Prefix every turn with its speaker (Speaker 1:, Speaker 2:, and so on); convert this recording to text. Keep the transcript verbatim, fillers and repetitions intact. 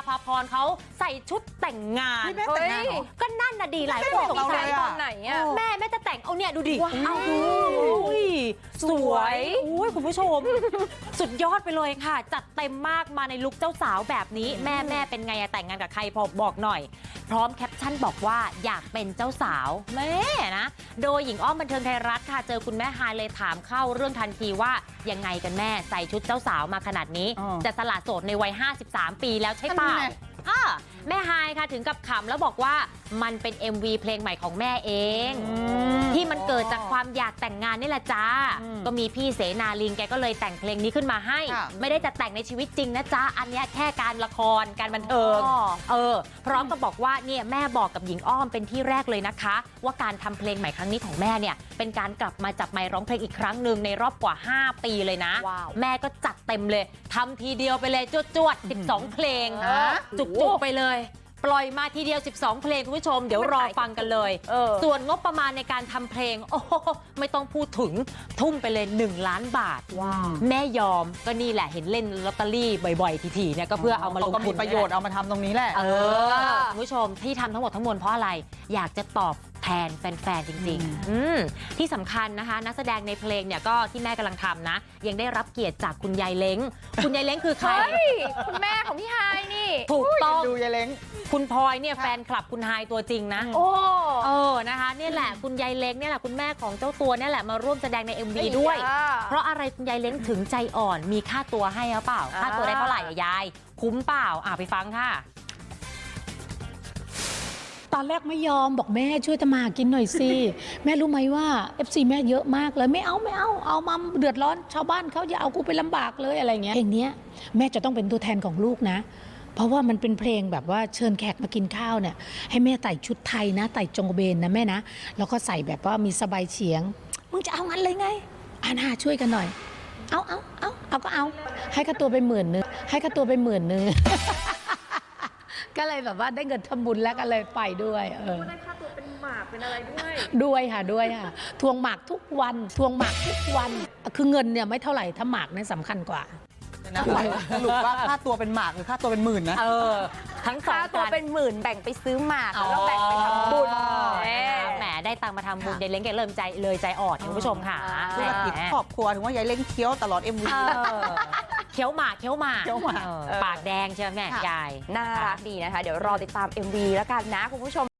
Speaker 1: ภาพรเขาใส่ชุดแต่งงาน
Speaker 2: แม่แต่งงานเหรอ
Speaker 1: ก็นั่นน่ะดีหลายคนสงสัย
Speaker 2: ตอนไหนอะ
Speaker 1: แม่แม่จะแต่งเอาเนี่ยดูดิ
Speaker 2: ว้าว
Speaker 1: เอาดูอุ้ยสวยอุ้ยคุณผู้ชม สุดยอดไปเลยค่ะ จัดเต็มมากมาในลุคเจ้าสาวแบบนี้แม่แม่เป็นไงอะแต่งงานกับใครพอบอกหน่อย พร้อมแคปชั่นบอกว่าอยากเป็นเจ้าสาวแม่นะโดยหญิงอ้อมบันเทิงไทยรัฐค่ะเจอคุณแม่ฮายเลยถามเข้าเรื่องทันทีว่ายังไงกันแม่ใส่ชุดเจ้าสาวมาขนาดนี้
Speaker 2: อ๋อ
Speaker 1: จะสละโสดในวัยห้าสิบสามปีแล้วใช่เปล่า
Speaker 2: นั่นไง
Speaker 1: อ่าแม่ฮายค่ะถึงกับขำแล้วบอกว่ามันเป็น เอ็ม วี เพลงใหม่ของแม่เอง ที่มันเกิดจากความอยากแต่งงานนี่แหละจ้า
Speaker 2: อืม
Speaker 1: ก็มีพี่เสนาลิงแกก็เลยแต่งเพลงนี้ขึ้นมาให้
Speaker 2: ค่ะ
Speaker 1: ไม่ได้จะแต่งในชีวิตจริงนะจ๊ะอันเนี้ยแค่การละครการบันเทิง
Speaker 2: อ๋อ
Speaker 1: เออพร้อมกับบอกว่าเนี่ยแม่บอกกับหญิงอ้อมเป็นที่แรกเลยนะคะ ว่าการทำเพลงใหม่ครั้งนี้ของแม่เนี่ยเป็นการกลับมาจับไมค์ร้องเพลงอีกครั้งหนึ่งในรอบกว่า ห้า ปีเลยนะ
Speaker 2: ว้าว
Speaker 1: แม่ก็จัดเต็มเลยทำทีเดียวไปเลยจวดๆสิบสองเพลง
Speaker 2: ฮะ
Speaker 1: จุกๆไปเลย ปล่อยมาทีเดียวสิบสองเพลงคุณผู้ชมเดี๋ยวรอฟังกันเลย
Speaker 2: เออ
Speaker 1: ส่วนงบประมาณในการทำเพลงโอ้โหไม่ต้องพูดถึงทุ่มไปเลยหนึ่งล้านบาท
Speaker 2: ว้าว
Speaker 1: แม่ยอมก็นี่แหละเห็นเล่นลอตเตอรี่บ่อยๆทีๆเนี่ยก็เพื่อเอามาลง
Speaker 2: ก็
Speaker 1: ทุ
Speaker 2: มี
Speaker 1: น
Speaker 2: ประโยชน์เอามาทำตรงนี้แหละ
Speaker 1: เออคุณผู้ชมที่ทำทั้งหมดทั้งมวลเพราะอะไรอยากจะตอบแทนแฟนๆจริงๆอืมที่สำคัญนะคะนักแสดงในเพลงเนี่ยก็ที่แม่กำลังทำนะยังได้รับเกียรติจากคุณยายเล้งคุณยายเล้งคือใคร
Speaker 3: คุณแม่ของพี่ฮายนี่
Speaker 1: ถูกต้อง
Speaker 2: ดูยายเล้ง
Speaker 1: คุณพลอยเนี่ยแฟนคลับคุณไฮายตัวจริงนะ
Speaker 3: โอ้
Speaker 1: เออนะคะเนี่ยแหละคุณยายเล้งเนี่ยแหละคุณแม่ของเจ้าตัวเนี่ยแหละมาร่วมแสดงใน เอ็ม วี ด้วย เพราะอะไรคุณยายเล้งถึงใจอ่อนมีค่าตัวให้หรือเปล่า
Speaker 3: อ่า
Speaker 1: ค่าตัวได้เท่าไหร่อะยายคุ้มเปล่าอ่ะไปฟังค่ะ
Speaker 4: ตอนแรกไม่ยอมบอกแม่ช่วยทำมาหากินหน่อยสิ แม่รู้ไหมว่า เอฟ ซี แม่เยอะมากเลยไม่เอาไม่เอาเอามาเดือดร้อนชาวบ้านเขาอย่าเอากูไปลำบากเลยอะไรเงี้ยเพลงเนี้ยแม่จะต้องเป็นตัวแทนของลูกนะ เพราะว่ามันเป็นเพลงแบบว่าเชิญแขกมากินข้าวเนี่ยให้แม่ใส่ชุดไทยนะใส่จงกระเบนนะแม่นะแล้วก็ใส่แบบว่ามีสบายเฉียงมึงจะเอางั้นเลยไงอานาช่วยกันหน่อย เอาเอาเอาเอาก็เอาให้ค่าตัวไปหมื่นนึงให้ค่าตัวไปหมื่นนึง ก็เลยแบบว่าได้เงินทำบุญแล้วก็เลยไปด้วยเออ
Speaker 3: ได้ค่าตัวเป็นหมากเป็นอะไรด้วย
Speaker 4: ด้วยค่ะด้วยค่ะทวงหมากทุกวันทวงหมากทุกวันคือเงินเนี่ยไม่เท่าไหร่ถ้าหมากเนี่ยสำคัญกว่า
Speaker 2: นะสรุปว่าค่าตัวเป็นหมากหรือค่าตัวเป็นหมื่นนะ
Speaker 1: เออ ทั้งสอ
Speaker 3: ค่าง ตัว
Speaker 1: กัน
Speaker 3: เป็นหมื่นแบ่งไปซื้อหมาก
Speaker 1: อ๋อ
Speaker 3: แล้วแบ่งไปทำบุญ
Speaker 1: แหมแหมได้ตังค์มาทำบุญ
Speaker 2: ค่ะ
Speaker 1: ยายเล้งแกเริ่มใจเลยใจอ่อนคุณผู้ชมค่ะ
Speaker 2: ธุรกิจครอบครัวถึงว่ายายเล้งเคี้ยวตลอด เอ็ม วี
Speaker 1: เออเคี้ยวหมากเคี้ยวหมาก
Speaker 2: เคี้ยวหมาก
Speaker 1: เออปากแดงใช่ไหมแม่
Speaker 2: ค่ะ
Speaker 1: ยาย
Speaker 3: น่ารักดีนะคะ เดี๋ยวรอติดตาม เอ็ม วี แล้วกันนะคุณผู้ชม